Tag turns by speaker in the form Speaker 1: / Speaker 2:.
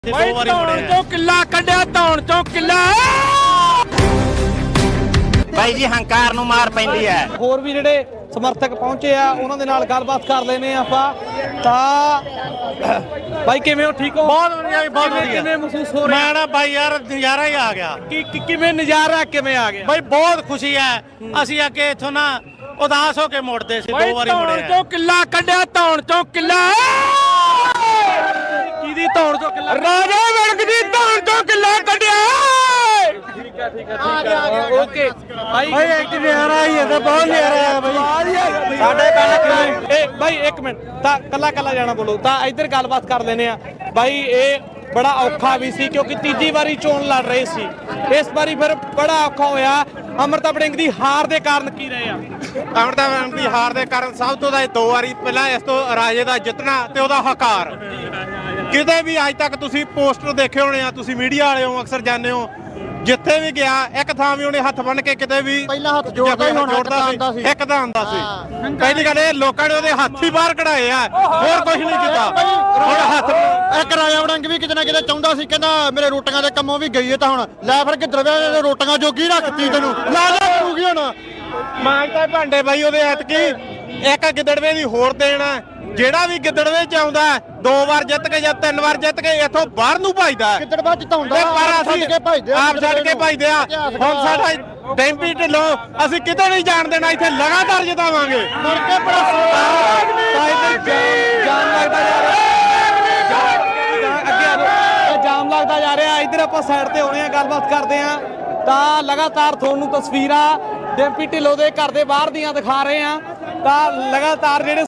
Speaker 1: ਦੋ ਵਾਰੀ ਮੁੜਿਆ
Speaker 2: ਚੋਂ ਕਿੱਲਾ ਕੱਢਿਆ ਧੌਣ ਚੋਂ ਕਿੱਲਾ
Speaker 3: ਬਾਈ ਜੀ ਹੰਕਾਰ ਨੂੰ ਮਾਰ ਪੈਂਦੀ ਹੈ।
Speaker 2: ਹੋਰ ਵੀ ਜਿਹੜੇ ਸਮਰਥਕ ਪਹੁੰਚੇ ਆ ਉਹਨਾਂ ਦੇ ਨਾਲ ਗੱਲਬਾਤ ਕਰ ਲੈਨੇ ਆਪਾਂ ਤਾਂ ਬਾਈ ਕਿਵੇਂ ਹੋ? ਠੀਕ ਹੋ?
Speaker 1: ਬਹੁਤ ਵਧੀਆ ਜੀ, ਬਹੁਤ ਵਧੀਆ।
Speaker 2: ਕਿਵੇਂ ਮਹਿਸੂਸ ਹੋ ਰਿਹਾ?
Speaker 1: ਮੈਂ ਨਾ ਬਾਈ ਯਾਰ ਨਜ਼ਾਰਾ ਹੀ ਆ ਗਿਆ।
Speaker 2: ਕਿਵੇਂ ਨਜ਼ਾਰਾ ਕਿਵੇਂ ਆ ਗਿਆ?
Speaker 1: ਬਾਈ ਬਹੁਤ ਖੁਸ਼ੀ ਹੈ। ਅਸੀਂ ਅੱਗੇ ਇੱਥੋਂ ਨਾ ਉਦਾਸ ਹੋ ਕੇ ਮੁੜਦੇ ਸੀ, ਦੋ ਵਾਰੀ
Speaker 2: ਧੌਣ
Speaker 1: ਮੁੜਿਆ।
Speaker 2: ਚੋਂ ਕਿੱਲਾ ਕੱਢਿਆ ਧੌਣ ਚੋਂ ਕਿੱਲਾ ਕਿਹਦੀ ਧੌਣ ਚੋਂ ਕਿੱਲਾ? ਰਾਜਾ ਵੜਕ ਦੀ ਧੌਣ ਚੋਂ ਕਿੱਲਾ ਕੱਢਿਆ। ਠੀਕ ਹੈ ਓਕੇ ਭਾਈ
Speaker 1: ਇੱਕ ਨਜ਼ਾਰਾ ਹੀ ਹੈ, ਬਹੁਤ ਨਜ਼ਾਰਾ ਹੈ ਬਾਈ।
Speaker 2: ਸਾਡੇ ਪਿੰਡ ਇਹ ਬਾਈ ਇੱਕ ਮਿੰਟ ਤਾਂ ਕੱਲਾ ਜਾਣਾ ਬੋਲੋ ਤਾਂ ਇੱਧਰ ਗੱਲਬਾਤ ਕਰ ਲੈਨੇ ਆ ਬਾਈ। ਇਹ ਬੜਾ ਔਖਾ ਵੀ ਸੀ ਕਿਉਂਕਿ ਤੀਜੀ ਵਾਰੀ ਚੋਣ ਲੜ ਰਹੇ ਸੀ, ਇਸ ਵਾਰੀ ਫਿਰ ਬੜਾ ਔਖਾ ਹੋਇਆ। ਅਮਰਤਾ ਵੜਿੰਗ ਦੀ ਹਾਰ ਦੇ ਕਾਰਨ ਕੀ ਰਹੇ ਆ?
Speaker 4: ਅਮਰਤਾ ਵੜਿੰਗ ਦੀ ਹਾਰ ਦੇ ਕਾਰਨ ਸਭ ਤੋਂ ਦਾ ਦੋ ਵਾਰੀ ਪਹਿਲਾਂ ਇਸ ਤੋਂ ਰਾਜੇ ਦਾ ਜਿੱਤਣਾ ਤੇ ਉਹਦਾ ਹਕਾਰ। ਕਿਤੇ ਵੀ ਅੱਜ ਤੱਕ ਤੁਸੀਂ ਪੋਸਟਰ ਦੇਖੇ ਹੋਣੇ ਆ, ਤੁਸੀਂ ਮੀਡੀਆ ਵਾਲੇ ਹੋ ਅਕਸਰ ਜਾਂਦੇ ਹੋ, ਜਿੱਥੇ ਵੀ ਗਿਆ ਇੱਕ ਥਾਂ ਵੀ ਉਹਨੇ ਹੱਥ ਬੰਨ ਕੇ ਕਿਤੇ ਵੀ
Speaker 5: ਪਹਿਲਾਂ ਹੱਥ ਜੋੜਦਾ ਹੀ ਹੁਣ ਆਂਦਾ ਸੀ।
Speaker 4: ਇੱਕ ਤਾਂ ਆਂਦਾ ਸੀ। ਪਹਿਲੀ ਗੱਲ ਇਹ ਲੋਕਾਂ ਨੇ ਉਹਦੇ ਹੱਥ ਹੀ ਬਾਹਰ ਕਢਾਏ ਆ, ਹੋਰ ਕੁਝ ਨਹੀਂ ਕੀਤਾ। ਹੁਣ ਹੱਥ
Speaker 5: ਇੱਕ ਰਾਜਾ ਵੜਿੰਗ ਵੀ ਕਿਤੇ ਨਾ ਕਿਤੇ ਚਾਹੁੰਦਾ ਸੀ, ਕਹਿੰਦਾ ਮੇਰੇ ਰੋਟੀਆਂ ਦੇ ਕੰਮੋਂ ਵੀ ਗਈ ਹੈ ਤਾਂ ਹੁਣ ਲੈ ਫਿਰ ਗਿੱਦੜਵੇ ਨੇ ਰੋਟੀਆਂ ਜੋਗੀ ਰੱਖਤੀ ਤੈਨੂੰ ਲਾ ਕਰੂਗੀ ਹੁਣ।
Speaker 4: ਮਾਂਗਤਾ ਭਾਂਡੇ ਬਾਈ ਉਹਦੇ ਐਤਕੀ ਇੱਕ ਗਿੱਦੜਵੇ ਦੀ ਹੋਰ ਦੇਣਾ। ਜਿਹੜਾ ਵੀ ਗਿੱਦੜਵੇ ਚ ਆਉਂਦਾ ਦੋ ਵਾਰ ਜਿੱਤ ਕੇ ਜਾਂ ਤਿੰਨ ਵਾਰ ਜਿੱਤ ਕੇ ਇੱਥੋਂ ਬਾਹਰ ਨੂੰ ਭਜਦਾ।
Speaker 5: ਗਿੱਦੜਵਾ ਜਿਤਾਉਂਦਾ
Speaker 4: ਪਰ ਅਸੀਂ ਆਪ ਛੱਡ ਕੇ ਭਜਦੇ ਆ। ਹੁਣ ਸਾਡਾ ਡੈਂਪੀ ਢਿੱਲੋਂ ਅਸੀਂ ਕਿਤੇ ਨਹੀਂ ਜਾਣ ਦੇਣਾ, ਇੱਥੇ ਲਗਾਤਾਰ ਜਿਤਾਵਾਂਗੇ।
Speaker 5: ਮੁੜ ਕੇ ਬੜਾ
Speaker 2: ਜਾਮ ਲੱਗਦਾ ਜਾ ਰਿਹਾ, ਅੱਗੇ ਆ ਜਾਓ। ਜਾਮ ਲੱਗਦਾ ਜਾ ਰਿਹਾ। ਇੱਧਰ ਆਪਾਂ ਸਾਈਡ ਤੇ ਹੋਣੇ ਆ, ਗੱਲਬਾਤ ਕਰਦੇ ਆ ਤਾਂ ਲਗਾਤਾਰ ਤੁਹਾਨੂੰ ਤਸਵੀਰਾਂ ਡੈਂਪੀ ਢਿੱਲੋਂ ਦੇ ਘਰ ਦੇ ਬਾਹਰ ਦੀਆਂ ਦਿਖਾ ਰਹੇ ਆ ਤਾਂ ਲਗਾਤਾਰ ਜਿਹੜੇ